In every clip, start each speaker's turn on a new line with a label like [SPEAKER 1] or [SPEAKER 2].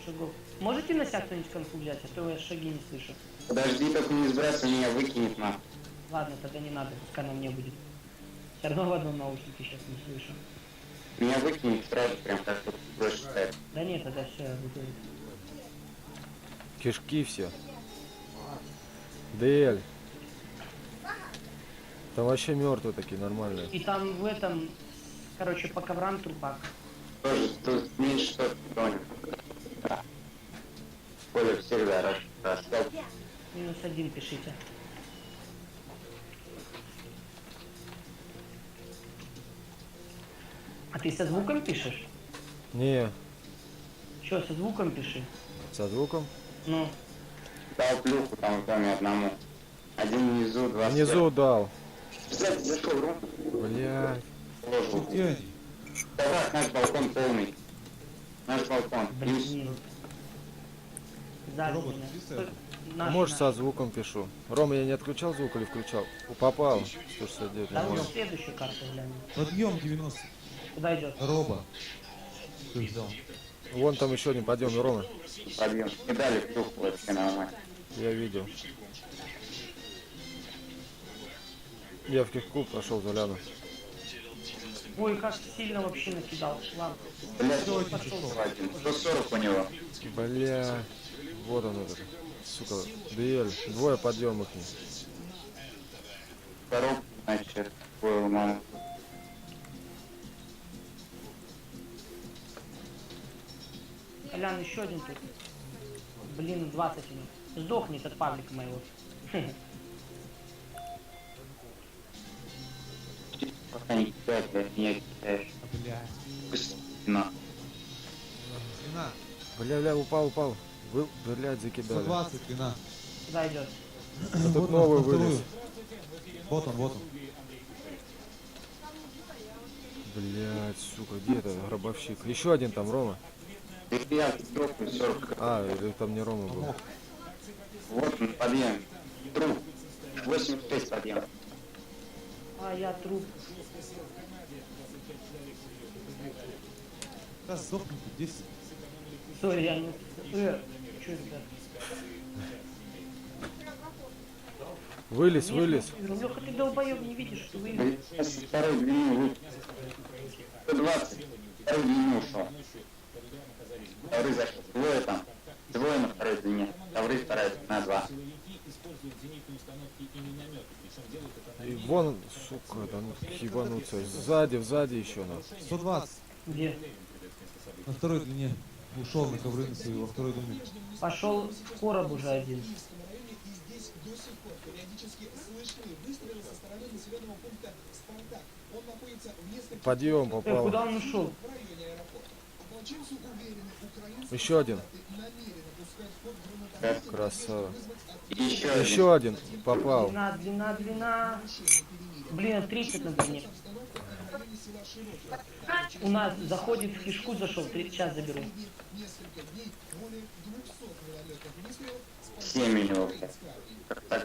[SPEAKER 1] шагов. Можете на себя кто-нибудь конфу взять, а то я шаги не слышу.
[SPEAKER 2] Подожди, только не сбрасывай, меня выкинет на.
[SPEAKER 1] Ладно, тогда не надо, пускай на мне будет. Все равно в одном наушнике сейчас не слышу.
[SPEAKER 2] Меня выкинет сразу, прям как тут больше ставит.
[SPEAKER 1] Да нет, тогда все, я буду.
[SPEAKER 3] Кишки все. ДЛ. Там вообще мертвые такие, нормальные.
[SPEAKER 1] И там в этом, короче, по коврам трупак.
[SPEAKER 2] Тоже тут меньше 100 тонет. Да. Коля всегда растет.
[SPEAKER 1] -1 пишите. А ты со звуком пишешь?
[SPEAKER 3] Не,
[SPEAKER 1] Че, со звуком пиши?
[SPEAKER 3] со звуком.
[SPEAKER 1] Ну,
[SPEAKER 2] Дал плюху там в доме одному. Один внизу, два
[SPEAKER 3] Внизу дал.
[SPEAKER 2] Кстати, зашел в рум.
[SPEAKER 3] Блядь.
[SPEAKER 2] Положил.
[SPEAKER 4] Где они?
[SPEAKER 2] Давай, наш балкон полный. Наш балкон.
[SPEAKER 1] блин. Сзади
[SPEAKER 4] Робот,
[SPEAKER 1] меня.
[SPEAKER 4] чистый?
[SPEAKER 1] Наш,
[SPEAKER 3] Может,
[SPEAKER 1] наш.
[SPEAKER 3] со звуком пишу. Рома, я не отключал звук или включал? Попал. 169,
[SPEAKER 1] Да,
[SPEAKER 3] нормально.
[SPEAKER 1] следующую карту глянем.
[SPEAKER 4] Подъем 90.
[SPEAKER 1] Куда идет?
[SPEAKER 4] Роба. Кто их взял?
[SPEAKER 3] Вон там еще один подъем, Рома.
[SPEAKER 2] Подъем. И дали плюху вообще нормально.
[SPEAKER 3] Я видел. Я в кишку пошел, заляну.
[SPEAKER 1] Ой, как сильно вообще накидал. Ладно.
[SPEAKER 2] Блядь,
[SPEAKER 1] Пошел.
[SPEAKER 2] 140 у него.
[SPEAKER 3] Бля. Вот он этот. Сука. ДЛ. Двое подъемов.
[SPEAKER 2] Коробку, значит, твою маму.
[SPEAKER 1] Колян, еще один тут. Блин, 20 минут. Сдохнет от паблика моего.
[SPEAKER 2] Пока не кидать, блядь, меня кидаешь.
[SPEAKER 4] Бля.
[SPEAKER 2] На.
[SPEAKER 4] Длина.
[SPEAKER 3] Бля, упал. Вы, блядь, закидали.
[SPEAKER 4] 120 длина.
[SPEAKER 1] Куда идет?
[SPEAKER 3] А тут
[SPEAKER 4] Вот
[SPEAKER 3] новый
[SPEAKER 4] на вторую.
[SPEAKER 3] вылез.
[SPEAKER 4] Вот он, вот он.
[SPEAKER 3] Блядь, сука, где это гробовщик? Еще один там, Рома.
[SPEAKER 2] Я дропну 40.
[SPEAKER 3] А, или там не Рома был.
[SPEAKER 4] Помог.
[SPEAKER 2] Вот он, подъем. Труп. 86 подъем.
[SPEAKER 1] А, я труп.
[SPEAKER 4] Да, сдохнут 10.
[SPEAKER 1] Сори, я не... Что это?
[SPEAKER 3] Вылез.
[SPEAKER 1] Леха, ты долбоёб, не видишь, что вы...
[SPEAKER 2] Блядь, со второй длины лук. 120. Второй длины ушел. Второй зашел. Двое там. Двое на второй длине. Второй вторая на 2.
[SPEAKER 3] И вон, сука, да ну ебануться. Сзади еще надо.
[SPEAKER 4] 120.
[SPEAKER 1] Где?
[SPEAKER 4] На второй длине. Ушел на ковры на свои во второй длине.
[SPEAKER 1] Пошел в короб уже один.
[SPEAKER 3] Подъем попал.
[SPEAKER 1] Куда он ушел?
[SPEAKER 3] Еще один. Красава.
[SPEAKER 2] Еще
[SPEAKER 3] Еще один попал.
[SPEAKER 1] Длина. Блин, 30 на длине. У нас заходит в кишку, зашел, 30 час заберу.
[SPEAKER 2] 7 у него, блядь. Как так?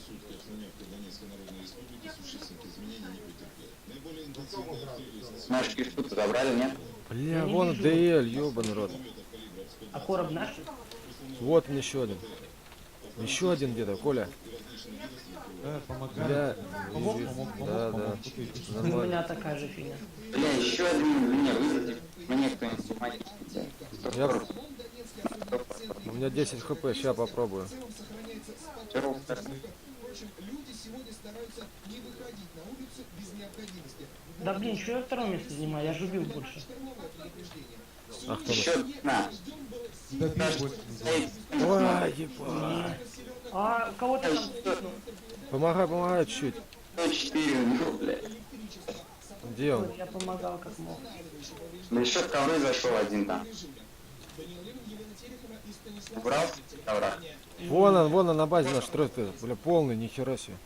[SPEAKER 2] Наш кишку-то забрали, нет?
[SPEAKER 3] Бля, вон ДЛ, ёбаный рот.
[SPEAKER 1] А короб наш?
[SPEAKER 3] Вот он еще один. Еще один где-то, Коля.
[SPEAKER 4] Да, помогаю.
[SPEAKER 3] Бля,
[SPEAKER 4] Помог.
[SPEAKER 3] да.
[SPEAKER 1] У
[SPEAKER 3] Нормально.
[SPEAKER 1] меня такая же фигня.
[SPEAKER 2] Бля, еще один мне вызовите. Мне кто-нибудь помогите.
[SPEAKER 3] Я... У меня 10 хп, сейчас попробую.
[SPEAKER 1] Да блин, что я второе место занимаю? Я же убил больше.
[SPEAKER 3] А кто?
[SPEAKER 2] Еще на.
[SPEAKER 4] Да бей больше.
[SPEAKER 3] Ой, ебать.
[SPEAKER 1] А кого-то там стукнул.
[SPEAKER 3] Помогай чуть-чуть.
[SPEAKER 2] 104 у него, блядь.
[SPEAKER 3] Где он?
[SPEAKER 1] Я помогал как мог.
[SPEAKER 2] Да еще в ковры зашел один там. Убрал ковра?
[SPEAKER 3] Вон он на базе наш строит. Бля, полный, нихера себе.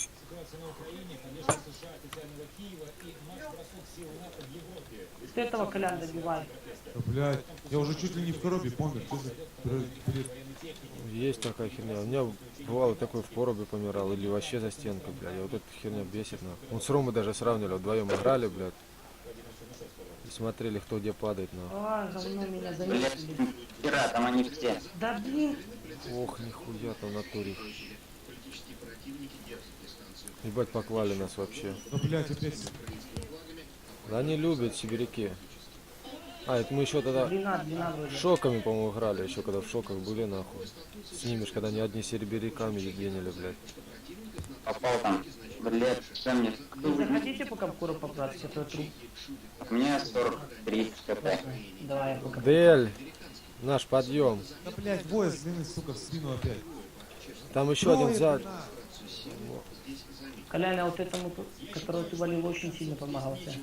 [SPEAKER 1] Ты этого, Колян, добивай.
[SPEAKER 4] Да, блядь. Я уже чуть ли не в коробе помер. Что за бред?
[SPEAKER 3] Есть такая херня. У меня бывало такой в поробе помирал или вообще за стенкой, блядь. Вот эта херня бесит, нахуй. Он с Ромой даже сравнивали, вдвоем играли, блядь. смотрели, кто где падает, на.
[SPEAKER 1] А, говно меня
[SPEAKER 2] Блядь,
[SPEAKER 1] заметили.
[SPEAKER 2] хера, там они все.
[SPEAKER 1] Да блин.
[SPEAKER 3] Ох, нихуя там в натуре. Ебать, поклали нас вообще.
[SPEAKER 4] Да, блядь, опять.
[SPEAKER 3] Да они любят сибиряки. А, это мы еще тогда
[SPEAKER 1] Длина вроде.
[SPEAKER 3] шоками, по-моему, играли, еще когда в шоках были, нахуй. С ними ж, когда они одни сибиряками ебенили, блядь.
[SPEAKER 2] Попал там. Блядь, что мне?
[SPEAKER 1] Вы заходите пока в куру поправить, это труп.
[SPEAKER 2] У меня 43 кп.
[SPEAKER 1] Давай я пока.
[SPEAKER 3] Дель, наш подъем.
[SPEAKER 4] Да, блядь, двое с длины, сука, в спину опять.
[SPEAKER 3] Там еще один
[SPEAKER 4] Трое,
[SPEAKER 3] за...
[SPEAKER 4] длина.
[SPEAKER 1] Колян, а вот этому, которого ты валил, очень сильно помогал тебе.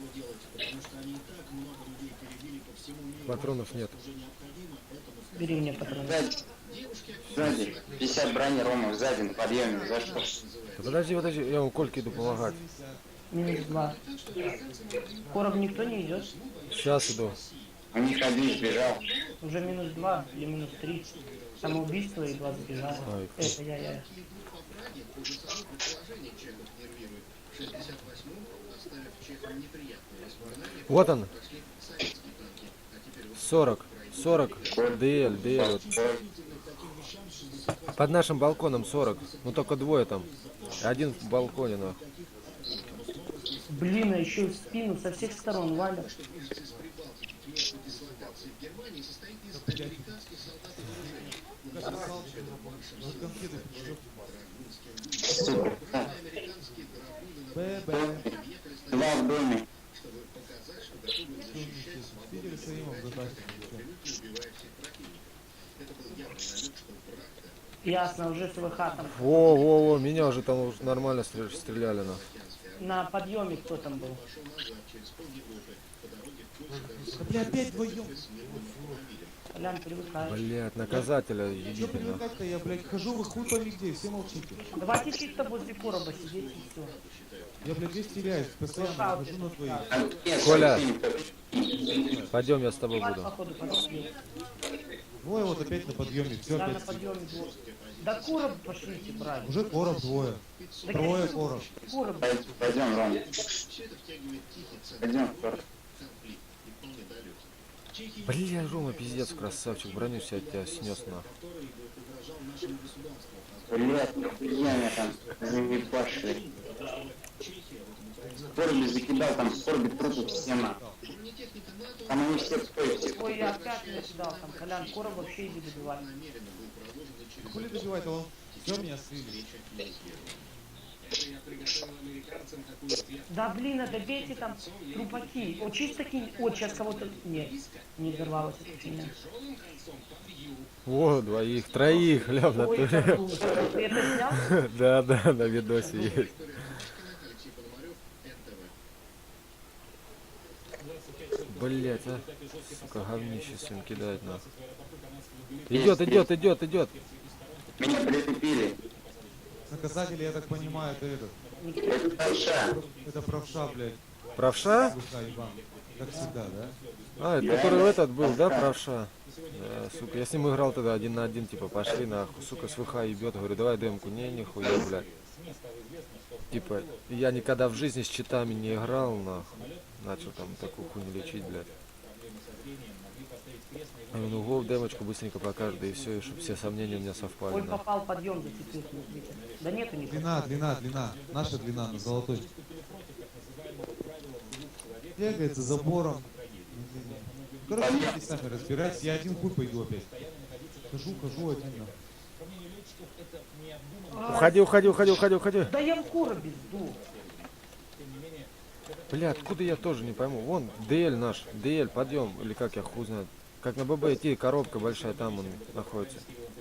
[SPEAKER 3] Патронов нет.
[SPEAKER 1] Бери мне патроны.
[SPEAKER 2] Сзади. 50 брони, Рома, сзади на подъеме. За что?
[SPEAKER 3] Да подожди, подожди, я ему Кольке иду помогать.
[SPEAKER 1] Минус 2. Короб никто не идет.
[SPEAKER 3] Сейчас иду.
[SPEAKER 2] У них один сбежал.
[SPEAKER 1] Уже минус 2 или минус 3. Самоубийство и 2 сбежало.
[SPEAKER 3] Ай,
[SPEAKER 1] Это я.
[SPEAKER 3] Вот он. 40. 40. ДЛ, ДЛ. Вот. Под нашим балконом 40. Ну только двое там. Один в балконе, нахуй.
[SPEAKER 1] Блин, а еще в спину со всех сторон валят.
[SPEAKER 4] Вот конфеты пришлю.
[SPEAKER 2] Сука.
[SPEAKER 4] Б-б.
[SPEAKER 2] Два в доме.
[SPEAKER 4] Питер с Римом затащит.
[SPEAKER 1] Ясно, уже СВХ там.
[SPEAKER 3] Во, меня уже там уже нормально стреляли, нахуй.
[SPEAKER 1] На подъеме кто там был?
[SPEAKER 4] Да, бля, опять вдвоем.
[SPEAKER 1] Колян, привыкай.
[SPEAKER 3] Блять, наказателя
[SPEAKER 4] Че
[SPEAKER 3] ебите, нахуй.
[SPEAKER 4] привыкать-то? Я, блядь, хожу, вы хуй пойми где, все молчите.
[SPEAKER 1] Давайте чисто возле короба сидеть и все.
[SPEAKER 4] Я, блядь, здесь теряюсь, постоянно хожу на твоих.
[SPEAKER 3] Коля. Пойдем, я с тобой
[SPEAKER 1] Валь,
[SPEAKER 3] буду.
[SPEAKER 1] походу, подъем.
[SPEAKER 4] Двое вот опять на подъеме, все
[SPEAKER 1] Да, на
[SPEAKER 4] опять.
[SPEAKER 1] подъеме двое. Да короб пошлите, брать.
[SPEAKER 4] Уже короб двое.
[SPEAKER 1] Да
[SPEAKER 4] Трое
[SPEAKER 1] какие
[SPEAKER 4] короб.
[SPEAKER 1] короб?
[SPEAKER 2] Пойдем, Ром. Пойдем,
[SPEAKER 3] Бля, Рома, пиздец, красавчик, броню себя тебя снес, нахуй.
[SPEAKER 2] Блядь, я меня там заебашили. Корби закидал, там корби трупы все на. Там они все стоят.
[SPEAKER 1] Ой, я опять не кидал там, Колян, короб вообще иди добивай.
[SPEAKER 4] Хули добивать, а он все меня слили.
[SPEAKER 1] Да блин, а добейте там трупаки. О, чисто кинь. О, сейчас кого-то... Нет, не взорвалось эта фигня.
[SPEAKER 3] О, двоих, троих, ля, в
[SPEAKER 1] Ой,
[SPEAKER 3] натуре.
[SPEAKER 1] это круто. Ты это снял?
[SPEAKER 3] Да, на видосе есть. Блять, а. Сука, говнище сын кидает нас. Идет.
[SPEAKER 2] Меня притупили.
[SPEAKER 4] Наказатели, я так понимаю, это этот.
[SPEAKER 2] Это правша.
[SPEAKER 4] Это правша, блядь.
[SPEAKER 3] Правша?
[SPEAKER 4] Душа, ебан. Как всегда, да?
[SPEAKER 3] А, это который этот был, да, правша? Да, сука, я с ним играл тогда 1 на 1, типа, пошли нахуй, сука, с ВХ ебет, говорю, давай демку, не, нихуя, блядь. Типа, я никогда в жизни с читами не играл, нахуй. Начал там такую хуйню лечить, блядь. Я говорю, ну гол, демочку быстренько покажет, да и все, и чтобы все сомнения у меня совпали,
[SPEAKER 1] Ой,
[SPEAKER 3] нахуй.
[SPEAKER 1] попал подъем, зацепил, смотрите. Да нету никого.
[SPEAKER 4] Длина. Наша длина, на золотой. Бегает за забором. Короче, здесь сами разбирайтесь. Я один хуй пойду опять. Хожу один.
[SPEAKER 3] Уходи.
[SPEAKER 1] Да я в коробе сдох.
[SPEAKER 3] Бля, откуда я тоже не пойму. Вон, ДЛ наш, ДЛ, подъем, или как я хуй знает. Как на ББ идти, коробка большая, там он находится.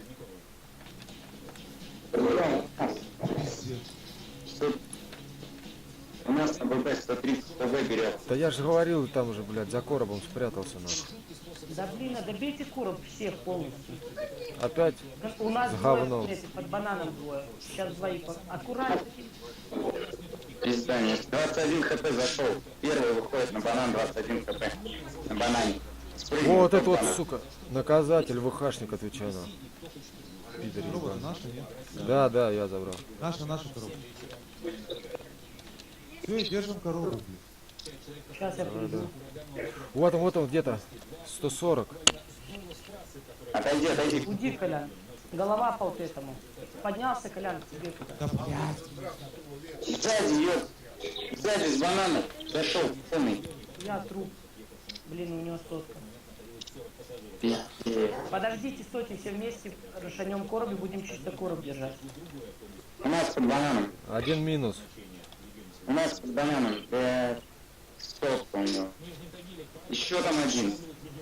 [SPEAKER 2] У нас на ББ 130 ТВ берет.
[SPEAKER 3] Да я же говорил, там уже, блядь, за коробом спрятался, нахуй.
[SPEAKER 1] Да блин, а добейте короб всех полностью.
[SPEAKER 3] Опять?
[SPEAKER 1] Да, у нас
[SPEAKER 3] С
[SPEAKER 1] двое,
[SPEAKER 3] говном.
[SPEAKER 1] смотрите, под бананом двое. Сейчас двоих. Аккуратно.
[SPEAKER 2] Пизда, нет. 21 хп зашел. Первый выходит на банан, 21 хп. На банане. Спрыгнул
[SPEAKER 3] Вот
[SPEAKER 2] под
[SPEAKER 3] это вот,
[SPEAKER 2] банан.
[SPEAKER 3] сука, наказатель, ВХшник, отвечаю на. Пидор
[SPEAKER 4] Коробка
[SPEAKER 3] ебаный.
[SPEAKER 4] наша, нет?
[SPEAKER 3] Да, я забрал.
[SPEAKER 4] Наша коробка. Все, держим коробку, блядь.
[SPEAKER 1] Сейчас я приду.
[SPEAKER 3] Вот он где-то. 140.
[SPEAKER 2] Отойди, отойди.
[SPEAKER 1] Уйди, Колян. Голова по вот этому. Поднялся, Колян, к тебе туда.
[SPEAKER 4] Да, блядь.
[SPEAKER 2] Сзади, ёп. Сзади с бананом. Зашел, полный.
[SPEAKER 1] Я труп. Блин, у него сотка.
[SPEAKER 2] Пиздец.
[SPEAKER 1] Подождите, стойте все вместе, расшанем короб и будем чисто короб держать.
[SPEAKER 2] У нас под бананом.
[SPEAKER 3] Один минус.
[SPEAKER 2] У нас под бананом. Сотка у него. Еще там один.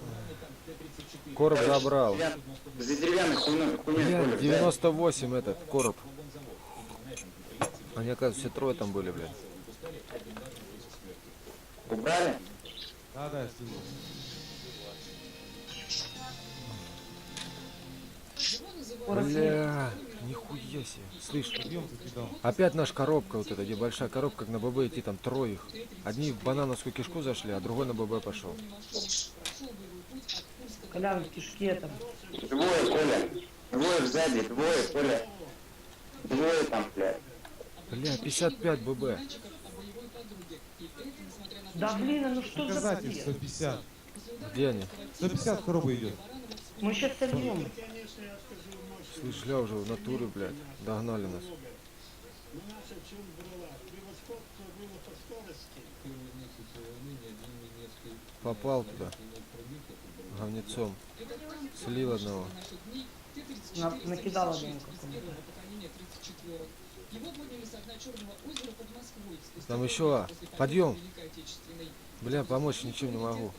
[SPEAKER 3] Короб забрал.
[SPEAKER 2] За деревянной хуйней.
[SPEAKER 3] Блядь, 98 этот короб. Они, оказывается, все трое там были, блядь.
[SPEAKER 2] Убрали?
[SPEAKER 4] Да, да, я слышу.
[SPEAKER 3] Бля, нихуя себе. Слышь,
[SPEAKER 4] Объем закидал.
[SPEAKER 3] опять наша коробка вот эта, где большая коробка, как на ББ идти, там трое их. Одни в банановскую кишку зашли, а другой на ББ пошел.
[SPEAKER 1] Колян в кишке там.
[SPEAKER 2] Двое, Коля. Двое сзади, двое, Коля. Двое там, блядь.
[SPEAKER 3] Бля, 55 ББ.
[SPEAKER 1] Да блин, ну что за
[SPEAKER 4] Показатель
[SPEAKER 1] бред?
[SPEAKER 4] 150.
[SPEAKER 3] Где они?
[SPEAKER 4] 150 коробок идет.
[SPEAKER 1] Мы сейчас сольем.
[SPEAKER 3] Слышь, ля уже в натуре, блядь. Догнали нас. Попал туда. Говнецом. Слил одного.
[SPEAKER 1] Накидал одному какому-то.
[SPEAKER 3] Там еще. Подъем. Бля, помочь ничем не могу.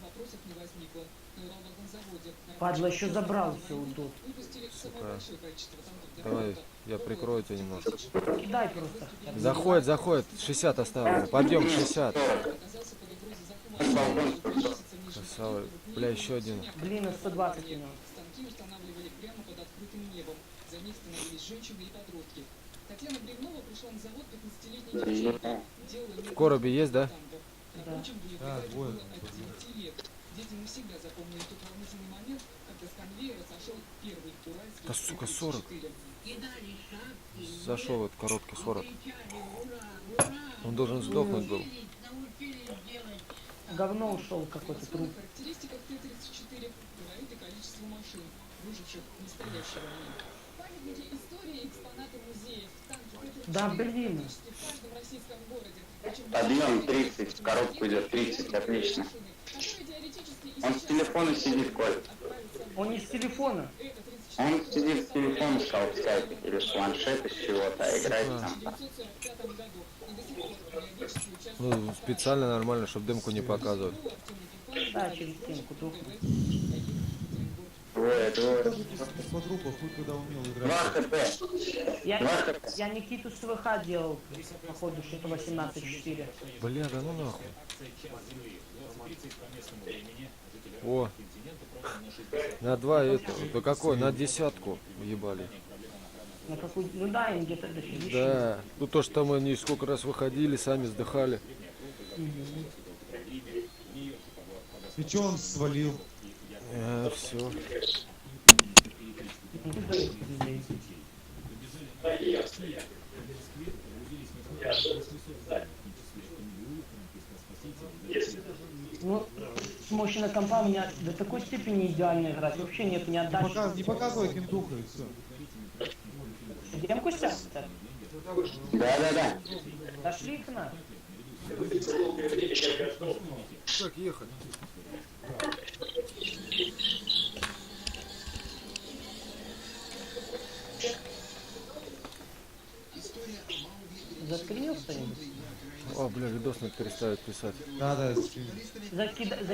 [SPEAKER 1] Падла еще забрал все вот тут.
[SPEAKER 3] Сука. Давай, я прикрою тебя немножко.
[SPEAKER 1] Кидай просто. хотя бы.
[SPEAKER 3] Заходит, заходит. 60 оставил. Подъем 60. Красава. Бля, еще один.
[SPEAKER 1] Блин, 120 у него.
[SPEAKER 3] В коробе есть, да?
[SPEAKER 1] Да.
[SPEAKER 4] Да, двое.
[SPEAKER 3] Да сука, 40. Зашел от коробки 40. Он должен сдохнуть был.
[SPEAKER 1] Говно ушел какой-то труп. Да блин.
[SPEAKER 2] Подъем 30, в коробку идет 30, отлично. Он с телефона сидит, Коль.
[SPEAKER 1] Он не с телефона.
[SPEAKER 2] Он сидит с телефона, сказал, в скайпе, или с планшета, с чего-то, а играет там.
[SPEAKER 3] Ну, специально нормально, чтобы дымку не показывать.
[SPEAKER 1] Да, через стенку тухнет.
[SPEAKER 2] Двое, двое.
[SPEAKER 4] По трупу, хуй куда умел
[SPEAKER 2] 2
[SPEAKER 4] играть.
[SPEAKER 2] хп.
[SPEAKER 1] Я,
[SPEAKER 2] 2 хп.
[SPEAKER 1] я Никиту с ВХ делал, походу, что-то 18-4.
[SPEAKER 3] Бля, да ну нахуй. О, на 2 это, да какой, на 10 ебали.
[SPEAKER 1] На какую... Ну да, им где-то дофигища.
[SPEAKER 3] Да, ну то, что мы не сколько раз выходили, сами сдыхали.
[SPEAKER 4] И чё он свалил?
[SPEAKER 3] Все.
[SPEAKER 1] Ну, с мощной компа у меня до такой степени идеально играть. Вообще нет ни отдачи.
[SPEAKER 4] Не показывай кентуха и все.
[SPEAKER 1] Демку снять?
[SPEAKER 2] Да.
[SPEAKER 1] Дошли их на.
[SPEAKER 3] Как ехать?
[SPEAKER 1] Заскринил что-нибудь?
[SPEAKER 3] О, бля, видос надо переставить писать.
[SPEAKER 4] Да, да,
[SPEAKER 1] Закидай.